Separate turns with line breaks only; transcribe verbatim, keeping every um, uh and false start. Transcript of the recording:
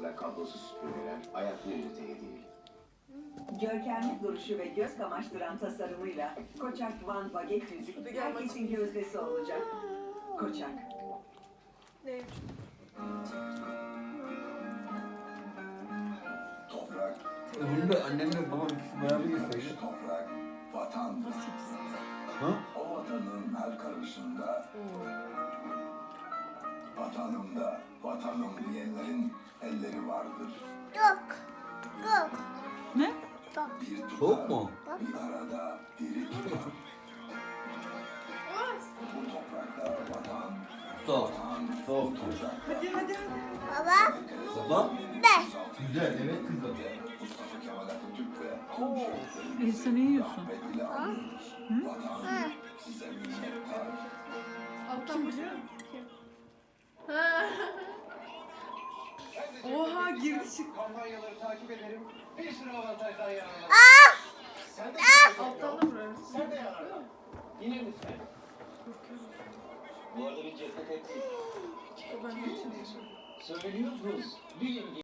sıra kablosuz süpürgeler ayak yürütüğü değil.
Görkemli duruşu ve göz kamaştıran tasarımıyla Koçak Van Baget yüzük herkesin gözdesi olacak. Koçak.
Ne?
Toprak,
E bunu da annemle babam ikisi beraber yeseydi.
toprak, vatan.
Ha?
O vatanın her karışında, vatanımda, vatanım diyenlerin elleri vardır.
Yok. Yok.
Ne?
Bir tutar,
Soğuk mu?
bir arada diri tutar. Bu toprakta vatan,
Soğuk.
vatan
Soğuk.
tutacak.
Hadi hadi hadi.
Baba.
Baba?
De.
Güzel, evet kızım.
Mustafa Kemal Atatürk ve
E sen ne yiyorsun?
Ahmet ile anıyoruz. Vatan size minnettar.
Alttan biliyor musun? Oha girdi çıktı.
Kampanyaları takip ederim. Bir sürü avantajdan yararlanırım. Sen de
Alttan da vurarız.
Sen de yararlan. Yine mi sen? Bu arada bir ceset ettik.
Ben de içiyorum.
Söylüyorsunuz. Bir